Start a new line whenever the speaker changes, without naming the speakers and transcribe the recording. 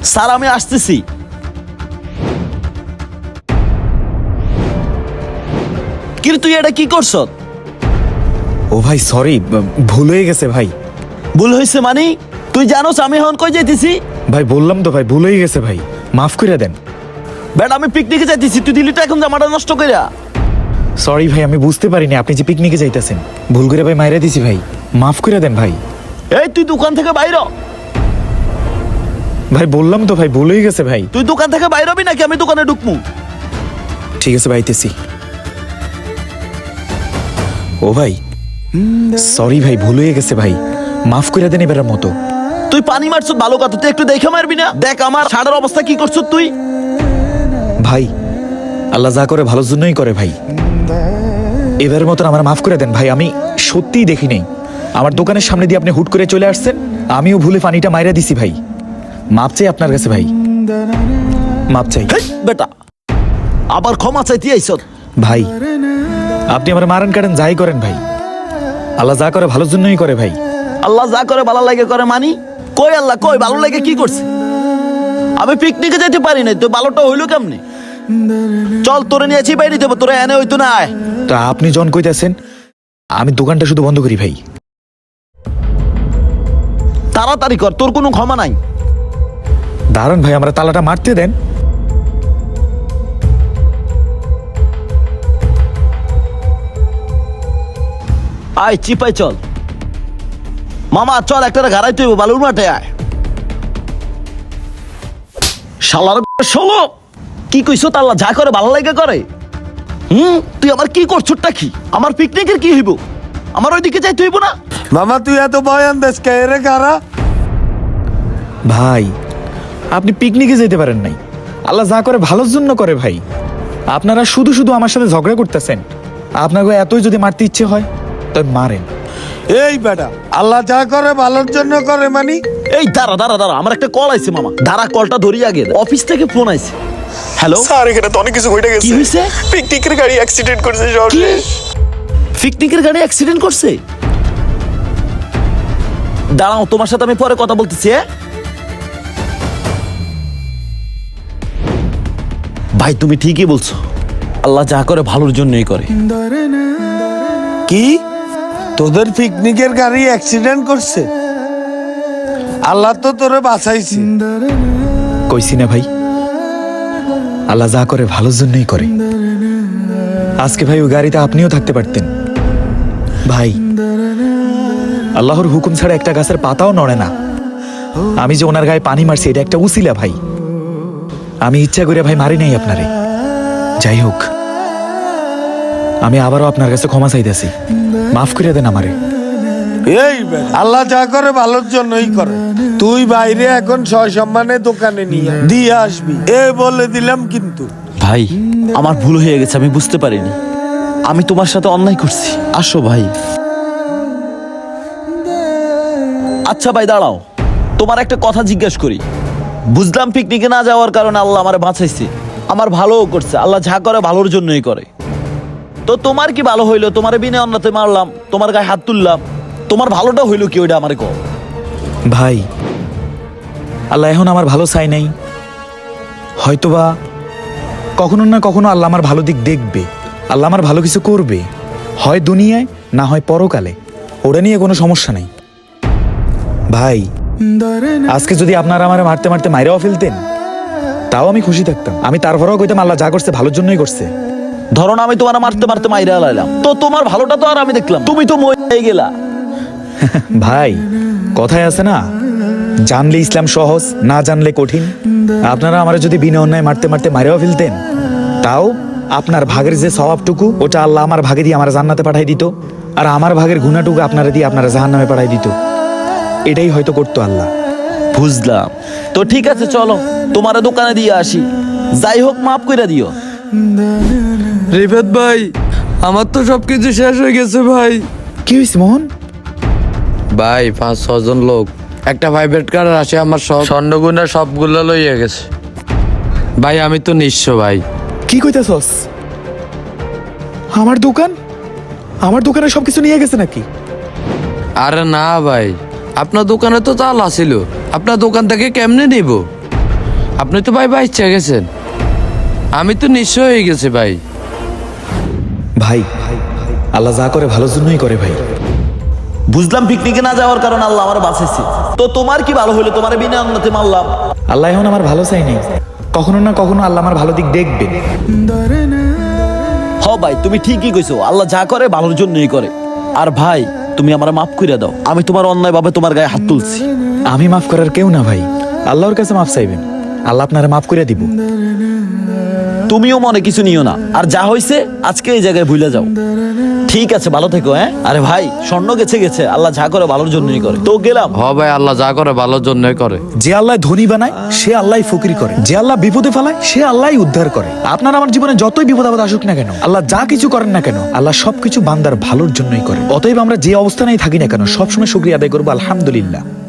Sir আমি আসতেছি। কিন্তু তুই এটা কি করছ?
ও ভাই সরি, ভুল হয়ে গেছে ভাই।
ভুল হয়েছে মানে? তুই জানোস আমি এখন কই যাইতেছি?
ভাই বললাম তো ভাই, ভুল হয়ে গেছে ভাই, মাফ করে দেন।
বেটা আমি পিকনিকে যাইতেছি, তুই দিলি তো এখন জামাটা নষ্ট কইরা।
সরি ভাই, আমি বুঝতে পারিনি আপনি যে পিকনিকে যাইতেছেন। ভুল করে ভাই মাইরা দিছি ভাই, মাফ করে দেন ভাই।
এই তুই দোকান থেকে বাইর হ।
ভাই বললাম তো ভাই, ভুল হয়ে গেছে ভাই।
তুই দোকান থেকে বাইর হবি নাকি আমি দোকানে ঢুকমু?
ঠিক আছে ভাইতেছি। ও ভাই সরি ভাই, ভুল হয়ে গেছে ভাই, মাফ করে দেন এবারের মতো।
তুই পানি মারছ ভালো কথা, তুই একটু দেখে মারবি না? দেখ আমার শাড়ির অবস্থা কি করছ তুই।
ভাই আল্লাহ যা করে ভালোর জন্যই করে ভাই, এবারের মতন আমার মাফ করে দেন ভাই। আমি সত্যিই দেখি নেই, আমার দোকানের সামনে দিয়ে আপনি হুট করে চলে আসছেন, আমিও ভুলে পানিটা মাইরা দিছি ভাই। মাপ চাই আপনার কাছে ভাই, মাপ চাই।
হেই, বেটা আবার ক্ষমা চাইতে আইছ?
ভাই আপনি আমার মারেন কাটেন যাই করেন ভাই, আল্লাহ যা করে ভালোর জন্যই করে ভাই।
আল্লাহ যা করে ভালো লাগে করে মানি? কই আল্লাহ কই ভালো লাগে কি করছে? আমি পিকনিকে যেতে পারি নাই, তো ভালোটা হইলো কেমনে? চল তোরে নিয়েছি বাইরে দেবো, তোরা এনে হইতো না। আয়
তা আপনি জন কইতেছেন, আমি দোকানটা শুধু বন্ধ করি ভাই।
তাড়াতাড়ি কর, তোর কোনো ক্ষমা নাই।
দারুন ভাই, আমরা তালাটা মারতে দেন।
আয় চিপাই চল মামা, চল একটা গাড়াই তুই বালুর মাঠে আয়। শালার ষোলো কি কইছো? তাল্লা যা করে ভালো লাগে করে। তুই আমার কি করছোটা কি? আমার পিকনিকের কি হইব? আমার ওইদিকে যাইতে হইব না?
মামা তুই এত বয়ান দেশ কে রে কারা?
ভাই আপনি পিকনিকে যেতে পারেন নাই, আল্লাহ যা করে ভালোর জন্য করে ভাই। আপনারা শুধু শুধু আমার সাথে ঝগড়া করতেছেন। আপনাকে এতই যদি মারতে ইচ্ছে হয় তবে মারেন।
এই বেটা আল্লাহ যা করে ভালোর জন্য করে মানি।
এই দাঁড়া দাঁড়া দাঁড়া, আমার একটা কল আইছে মামা, দাঁড়া কলটা ধরি আগে। অফিস থেকে ফোন আইছে। হ্যালো
স্যার এখানে তো অনেক কিছু হয়ে
কি
গেছে।
হইছে?
পিকনিকের গাড়ি অ্যাক্সিডেন্ট করেছে
কি
শহরে।
পিকনিকের গাড়ি অ্যাক্সিডেন্ট করছে? দাঁড়াও তোমার সাথে আমি পরে কথা বলতেছি। ভাই তুমি ঠিকই বলছো, আল্লাহ যা করে ভালোর জন্যই করে।
কি তোদের পিকনিকের গাড়ি অ্যাক্সিডেন্ট করছে? আল্লাহ তো তোরে বাঁচাইছে।
কইছি না ভাই, আল্লাহ যা করে ভালোর জন্যই করে। আজকে ভাই ওই গাড়িতে আপনিও থাকতে পারতেন ভাই। আল্লাহর হুকুম ছাড়া একটা গাছের পাতাও নড়ে না। আমি যে ওনার গায়ে পানি মারছি এটা একটা উসিলা ভাই, আমি ইচ্ছা করে ভাই মারি নাই আপনারে। যাই হোক, আমি আবারও আপনার কাছে ক্ষমা চাইতেছি, মাফ করে দেন আমারে।
এই বেটা আল্লাহ যা করে ভালোর জন্যই করে। তুই বাইরে এখন সসম্মানে দোকানে নিয়ে দিয়ে আসবি, এ বলে দিলাম কিন্তু।
ভাই আমার ভুল হয়ে গেছে, আমি বুঝতে পারিনি, আমি তোমার সাথে অন্যায় করছি। আসো ভাই। আচ্ছা ভাই দাঁড়াও, তোমার একটা কথা জিজ্ঞেস করি। বুঝলাম পিকনিকে না যাওয়ার কারণে আল্লাহ আমার বাঁচাইছে, আমার ভালোও করছে। আল্লাহ যা করে ভালোর জন্যই করে। তো তোমার কি ভালো হইলো? তোমার বিনে অন্যতে মারলাম, তোমার গায়ে হাত তুললাম, তোমার ভালোটা হইলো কি? ওইটা আমারে কও
ভাই আল্লাহ এখন আমার ভালো চাই নাই, হয়তোবা কখনো না কখনো আল্লাহ আমার ভালো দিক দেখবে, আল্লাহ আমার ভালো কিছু করবে, হয় দুনিয়ায় না হয় পরকালে। ওটা নিয়ে কোনো সমস্যা নাই ভাই। আজকে যদি আপনারা আমার মারতে মারতে মাইরাও ফেলতেন তাও আমি খুশি থাকতাম। আমি তারপরেও কইতাম আল্লাহ যা করছে ভালোর জন্যই করছে।
ধরো না আমি তোমার মারতে মারতে মাইরা লাইলাম, তো তোমার ভালোটা তো আর আমি দেখলাম, তুমি তো মরে গেলা।
ভাই কথায় আছে না, জানলে ইসলাম সহজ, না জানলে কঠিন। আপনারা আমার যদি বিনা অন্যায় মারতে মারতে মারেও ফেলতেন তাও আপনার ভাগের যে স্বভাবটুকু ওটা আল্লাহ আমার ভাগে দিয়ে আমার জান্নাতে পাঠাই দিত, আর আমার ভাগের গুণাটুকু আপনারা দিয়ে আপনারা জাহান্নামে পাঠাই দিত। এটাই হয়তো করতো আল্লাহ।
বুঝলাম, তো ঠিক আছে চলো তোমার দোকানে দিয়ে আসি। যাই হোক মাফ কইরা দিও।
রিফাত ভাই আমার তো সবকিছু শেষ হয়ে গেছে ভাই।
কি হয়েছে মোহন?
ভাই 5-6 জন লোক একটা প্রাইভেট কার আসে আমার সব স্বর্ণগুনা সবগুলো লইয়া গেছে ভাই। আমি তো নিঃস্ব ভাই।
কি কইতাছস? আমার দোকানে সবকিছু নিয়ে গেছে নাকি?
আরে না ভাই, আপনার দোকানে তো তালা ছিল, আপনার দোকান থেকে কেমনে নিব? আপনি তো ভাই বাচ্চা গেছেন, আমি তো নিঃস্ব হয়ে গেছি ভাই।
ভাই আল্লাহ যা করে ভালোর জন্যই করে ভাই।
বুঝলাম পিকনিকে না যাওয়ার কারণে আল্লাহ আমার বাঁচাইছে, তো তোমার কি ভালো হলো? তোমার বিনা অন্যতে মারলাম।
আল্লাহ এখন আমার ভালো চাই নাই, কখনো না কখনো আল্লাহ আমার ভালো দিক দেখবে।
হ ভাই, তুমি ঠিকই কইছো, আল্লাহ যা করে ভালোর জন্যই করে। আর ভাই, তুমি আমার মাফ কইরা দাও, আমি তোমার অন্যায় ভাবে তোমার গায়ে হাত তুলছি।
আমি মাফ করার কেউ না ভাই, আল্লাহর কাছে মাফ চাইবেন, আল্লাহ আপনারা মাফ করে দিব।
তুমিও মনে কিছু নিও না, আর যা হইছে আজকে এই জায়গায় ভুলে যাও। ঠিক আছে, ভালো থেকো। হ্যাঁ, আরে ভাই, স্বর্ণ গেছে গেছে, আল্লাহ যা করে ভালোর জন্যই করে, তো গেলাম।
হ ভাই, আল্লাহ যা করে ভালোর জন্যই করে।
যে আল্লাহ ধনী বানায় সে আল্লাহ ফকির করে, যে আল্লাহ বিপদে ফেলায় সে আল্লাহ উদ্ধার করে। আপনার আমার জীবনে যতই বিপদ আপদ আসুক না কেন, আল্লাহ যা কিছু করেন না কেন, আল্লাহ সবকিছু বান্দার ভালোর জন্যই করে। অতএব আমরা যে অবস্থানেই থাকি না কেন, সবসময় শুকরিয়া আদায় করবো, আলহামদুলিল্লাহ।